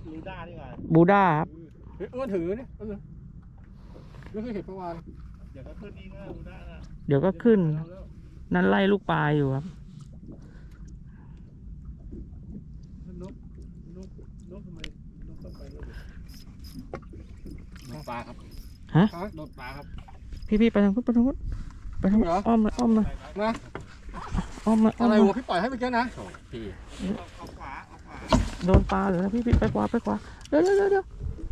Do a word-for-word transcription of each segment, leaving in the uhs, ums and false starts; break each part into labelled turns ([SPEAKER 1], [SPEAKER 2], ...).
[SPEAKER 1] บูด้าดีกว่า
[SPEAKER 2] บูด้าครับ
[SPEAKER 3] เฮ้ยอ้วนถือเนี่ยเออไม่เคยเห็นเมื่อวาน
[SPEAKER 1] เดี๋ยวก็ขึ้นนี่ก็บูด้านะ
[SPEAKER 2] เดี๋ยวก็ขึ้นนั่นไล่ลูกปลาอยู่ครับ
[SPEAKER 3] นกนกนกทำไมนกต้องไปแล้วโดนปลาครับ
[SPEAKER 2] ฮะ
[SPEAKER 3] โดนปลาครับ
[SPEAKER 2] พี่พี่ไปทางพุทธไปทางพุทธไปทางอ้อมเลยอ้อมเลย
[SPEAKER 3] นะ
[SPEAKER 2] อ้อมเลย
[SPEAKER 3] อะไรวะพี่ปล่อยให้ไปเจ้านะพี่
[SPEAKER 1] เอาขวาเอาขวา
[SPEAKER 2] โดนปลาหรือนะพี่พี่ไปขวาไปขวาเดี๋ยวเดี๋ยวเดี๋ยว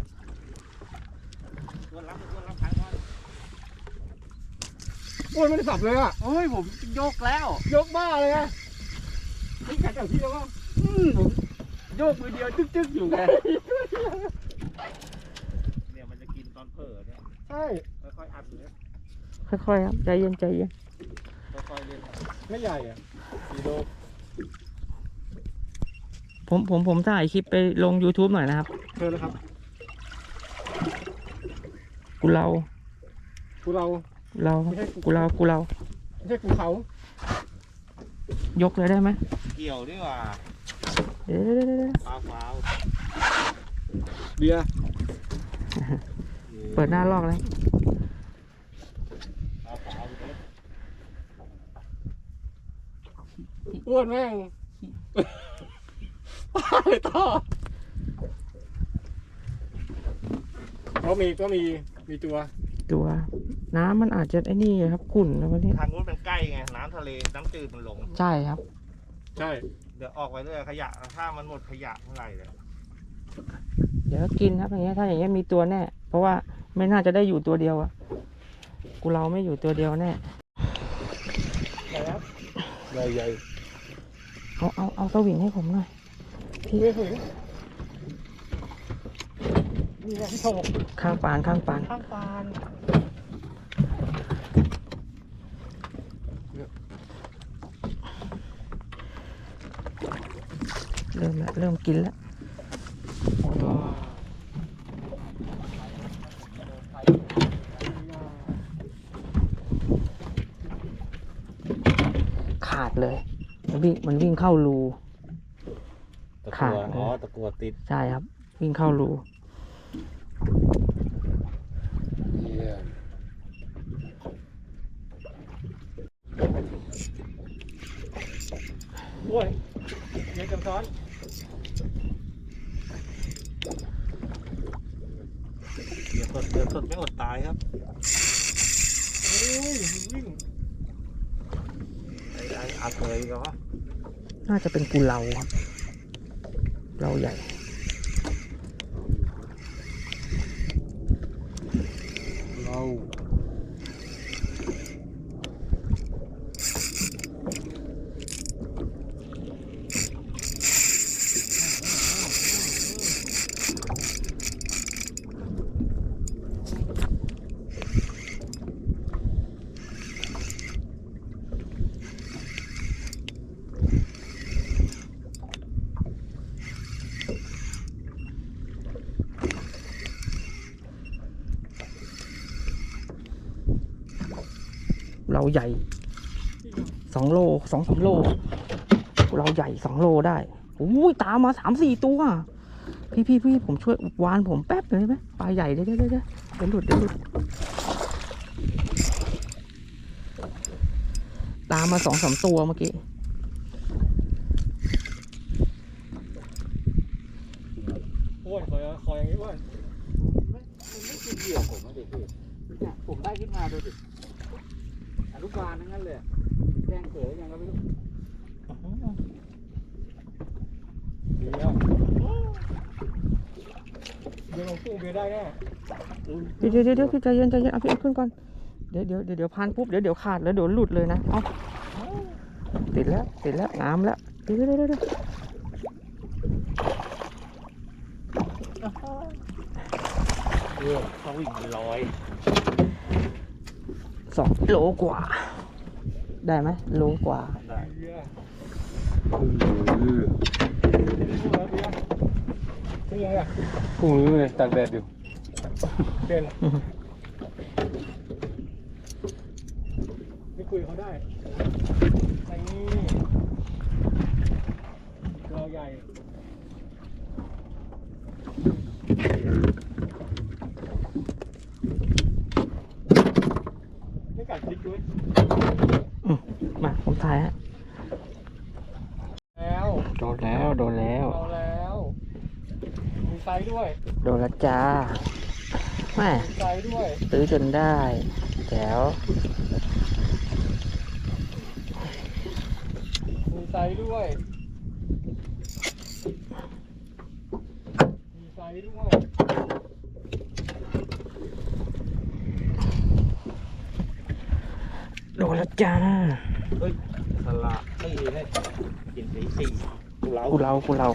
[SPEAKER 1] วนรับวนรับท้ายว่า
[SPEAKER 3] โอ้ยไม่ได้สับเลยอ่ะ
[SPEAKER 1] โอ้ยผมยกแล้ว
[SPEAKER 3] ยกบ้าเลยอ่ะนี่กัดจากพี่แล้วว่า
[SPEAKER 1] อืมผมโยกมือเดียวจึ๊กๆอยู่ไงเนี่ยมันจะกินตอนเผลอเนี่ย
[SPEAKER 3] ใช่
[SPEAKER 1] ค่อยๆอัดอยู่เนี่ย
[SPEAKER 2] ค่อยๆครับใจเย็นใจเย็น
[SPEAKER 1] ค่อยๆเล่น
[SPEAKER 3] ไม่ใหญ่อ่ะสี่โล
[SPEAKER 2] ผมผมผมถ่ายคลิปไปลง YouTube หน่อยนะครับ
[SPEAKER 3] เชิญเลยครับ
[SPEAKER 2] กูเรา
[SPEAKER 3] กูเรา
[SPEAKER 2] เรากูเรากูเรา
[SPEAKER 3] ไม่ใช่กูเขา
[SPEAKER 2] ยกเลยได้ไหม
[SPEAKER 1] เกี่ยวดีกว่า
[SPEAKER 2] เดี๋ยวเดี๋ยวเดี๋ยว
[SPEAKER 1] ฟ้าวฟ้าว
[SPEAKER 3] เบียร์
[SPEAKER 2] เปิดหน้าลอกเลย
[SPEAKER 3] อ้วนแม่งตายต่อก็มีก็มีมีตัว
[SPEAKER 2] ตัวน้ำมันอาจจะไอ้นี่ครับขุ่นนะวันนี้
[SPEAKER 1] ทางนู้นเป็นใกล้ไงน้ำทะเลน้ำจืดมันลง
[SPEAKER 2] ใช่ครับ
[SPEAKER 3] ใช่
[SPEAKER 1] เดี๋ยวออกไปเรื่อยขยะถ้ามันหมดขยะเมื่อไหร่เลย
[SPEAKER 2] เดี๋ยวกินครับอย่างเงี้ยถ้าอย่างเงี้ยมีตัวแน่เพราะว่าไม่น่าจะได้อยู่ตัวเดียวอะกูเราไม่อยู่ตัวเดียวแน่
[SPEAKER 3] ใหญ่ครับใหญ่ใหญ่
[SPEAKER 2] เอาเอาเอาสวิงให้ผมหน่อย
[SPEAKER 3] พี่ไม่ถึงนี่แหละพี่โถ
[SPEAKER 2] ข้างปานข้างปาน
[SPEAKER 3] ข้างปาน
[SPEAKER 2] เริ่มแล้วเริ่มกินแล้วขาดเลยมันวิ่งมันวิ่งเข้ารู
[SPEAKER 1] ขาดอ๋อตะกัวติด
[SPEAKER 2] ใช่ครับวิ่งเข้ารู
[SPEAKER 3] โอ้ยเดี๋ยวจะซ้อน
[SPEAKER 1] เดี๋ยวสดเดี๋ยวสดไม่อดตายครับ
[SPEAKER 3] โอ้ยวิ่ง
[SPEAKER 1] ไอ้ไอ้อาเทยก็
[SPEAKER 2] น่าจะเป็นกูเราครับเราใหญ่
[SPEAKER 3] เรา
[SPEAKER 2] เราใหญ่สองโลสองสามโลเราใหญ่สองโลได้อุ้ยตามมาสามสี่ตัวพี่พี่พี่ผมช่วยวานผมแป๊บเลยไหมปลาใหญ่เดี๋ยวเดี๋ยวเดี๋ยวเดี๋ยวหลุดเดี๋ยวหลุดตามมาสองสามตัวเมื่อกี้
[SPEAKER 3] โอ้ยคอยคอยอย่างนี้ว่าไม่ไม่กินเหยื่อผมนะเด็กพี่เนี่ยผมได้ขึ้นมาดูดิอนุบาลนั่นเลยแจ้งเกิดยังก็ไม่รู้เดี๋ยวเดี๋ยวลงตู้เบียร์ได้แน่
[SPEAKER 2] เดี๋ยวเดี๋ยวเดี๋ยวพี่ใจเย็นใจเย็นเอาพี่เอาขึ้นก่อนเดี๋ยวเดี๋ยวเดี๋ยวเดี๋ยวพันปุ๊บเดี๋ยวเดี๋ยวขาดแล้วเดี๋ยวหลุดเลยนะเอาติดแล้วติดแล้วงามแล้วเดี๋ยวเดี๋ยวเดี๋ยวเดี๋ยว
[SPEAKER 1] เขาวิ่งลอย
[SPEAKER 2] สองโลกว่าได้ไหมโลกว่า
[SPEAKER 1] ได้
[SPEAKER 3] นี่ไงอ่ะพรุ่งนี้เลยตากแดดอยู่เป็นไม่คุยเขาได้ไอ้นี่ตัวใหญ่
[SPEAKER 2] อืมมาผมถ่ายฮะ
[SPEAKER 3] แล้ว
[SPEAKER 2] โดนแล้วโดนแล้ว
[SPEAKER 3] เอาแล้วมีไซส์ด้วย
[SPEAKER 2] โดนแล้วจ้าแม่
[SPEAKER 3] มีไซส์ด้วย
[SPEAKER 2] ซื้อจนได้แจ๋ว
[SPEAKER 3] มีไซส์ด้วยมีไซส์ด้วย
[SPEAKER 2] โดนแล้วจ้า
[SPEAKER 1] เฮ้ยสละตีให้กินสีสี่กูเล้า
[SPEAKER 2] กูเรากูเรา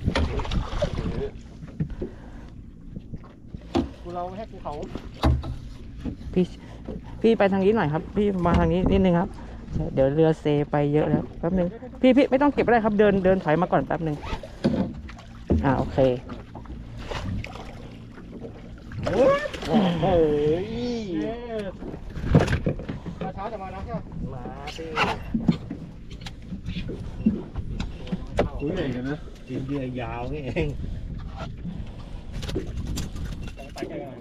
[SPEAKER 3] กูเราให้ภูเขา
[SPEAKER 2] พี่พี่ไปทางนี้หน่อยครับ พี่มาทางนี้นิดนึงครับใช่เดี๋ยวเรือเซไปเยอะแล้วแป๊บนึงพี่พี่ไม่ต้องเก็บอะไรครับเดินเดินถอยมาก่อนแป๊บนึงอ่าโอเค
[SPEAKER 1] เฮ้ย
[SPEAKER 3] เย้มาช้าแต่มานะใช่ไหม
[SPEAKER 1] มาดิ
[SPEAKER 3] คุยใหญ่กันนะ
[SPEAKER 1] กินเรือยาวนี่เอง
[SPEAKER 3] ไปไกลหน่อย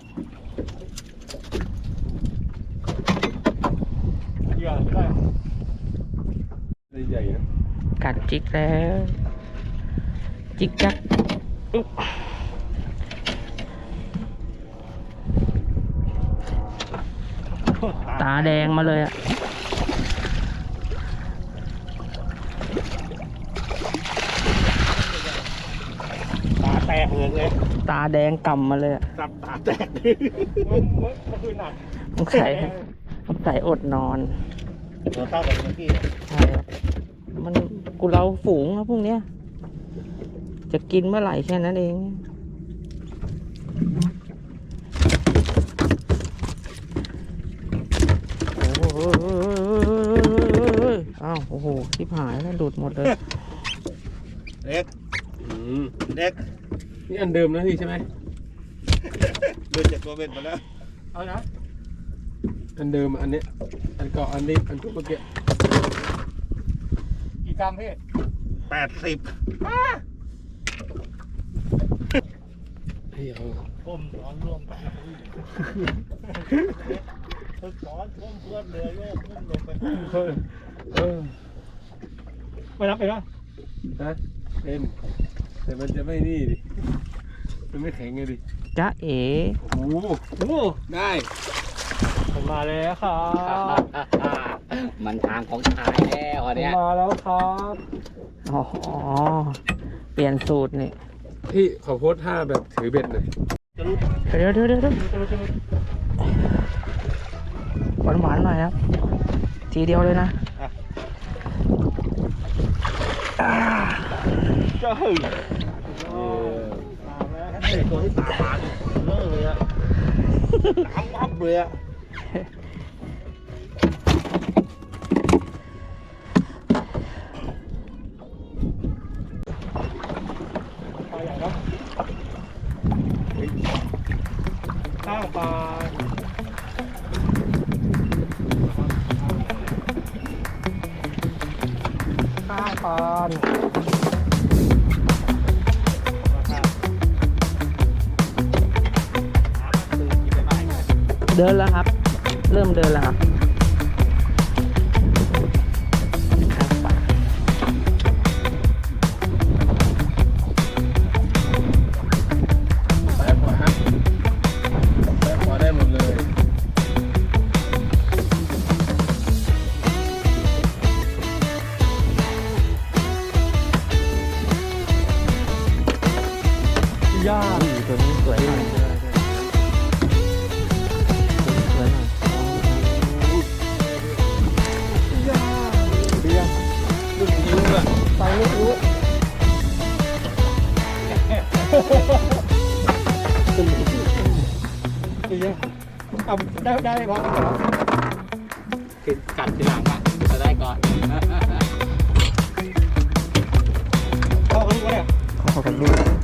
[SPEAKER 3] เหยื่อได้ได้ใหญ่นะ
[SPEAKER 2] กัดจิกแล้ว จิกจักอุ๊บตาแดงมาเลยอ่ะ
[SPEAKER 1] ตาแตกเลยไง
[SPEAKER 2] ตาแดงก่ำมาเลยอะ
[SPEAKER 1] สับตาแตก
[SPEAKER 3] เมื่อเมื่อเมื่อคืนหนัก
[SPEAKER 2] สงสัยสงสัยอดนอน
[SPEAKER 1] เราเท่ากับเมื่อกี้
[SPEAKER 2] ใช่ครับมันกูเราฝูงครับพวกเนี้ย จะกินเมื่อไหร่แค่นั้นเอง โอ้โหอ้าวโอ้โหชิบหายแล้วดูดหมดเลย
[SPEAKER 1] เด็ก
[SPEAKER 4] อืม
[SPEAKER 1] เด็ก
[SPEAKER 4] นี่อันเดิมนะพี่ใช่ไหม
[SPEAKER 1] เดินจากตัวเบ็ดมาแล้ว
[SPEAKER 3] เอานะ
[SPEAKER 4] อันเดิมอันเนี้ยอันเก่าอันนี้อันทุกเมื่อกี้
[SPEAKER 3] กี่กรัมพี่
[SPEAKER 1] แปดสิบ
[SPEAKER 4] เฮ้ยเอา
[SPEAKER 1] ก้มนอนร่วมกันฝึกสอนก้มเพื่อนเรือโยกก้มลงไป
[SPEAKER 4] เออเออ
[SPEAKER 3] ไม่รับไปนะ
[SPEAKER 4] ฮะเป็นแต่มันจะไม่นี่ดิมันไม่แข็งไงดิ
[SPEAKER 2] จ๊ะเอ๋
[SPEAKER 4] โอ้โห
[SPEAKER 3] โอ้
[SPEAKER 4] ได้
[SPEAKER 3] ผมมาแล้วครับ
[SPEAKER 5] มันทางของชายแล้ว
[SPEAKER 3] ผ
[SPEAKER 5] อัน
[SPEAKER 3] ม
[SPEAKER 5] เนี้ย
[SPEAKER 3] มาแล้วครับ
[SPEAKER 2] อ๋อเปลี่ยนสูตรนี่
[SPEAKER 4] พี่ขอโพสท่าแบบถือเบ็ดหน่อย
[SPEAKER 2] เดี๋ยวเดี๋ยวเดี๋ยวเดี๋ยวหวานหวานๆหน่อยครับ ทีเดียวเลยนะอ่า
[SPEAKER 1] เจ้าไอ้ตัวที่ตาบานเลิกเลยอะตามวับเลยอะ
[SPEAKER 3] ปลาใหญ่ครับข้างปลาข้างปลา
[SPEAKER 2] เดินแล้วครับ เริ่มเดินแล้วครับข้างป่า
[SPEAKER 4] ซ้ายขวาซ้ายขวาได้หมดเลย
[SPEAKER 3] ย่า
[SPEAKER 2] อุ้ยตัวนี้สวยหน่อยสวยหน่อย
[SPEAKER 3] ย่าเบียร์
[SPEAKER 4] ลูกนิ้วอะ
[SPEAKER 3] ใส่ลูกรู้เบียร์เอาได้ได้พอแล้วเหรอ
[SPEAKER 5] คือกัดทีหลังอ่ะจะได้ก่อน
[SPEAKER 3] เข้ากันดูเนี่ย
[SPEAKER 2] ขอกันดู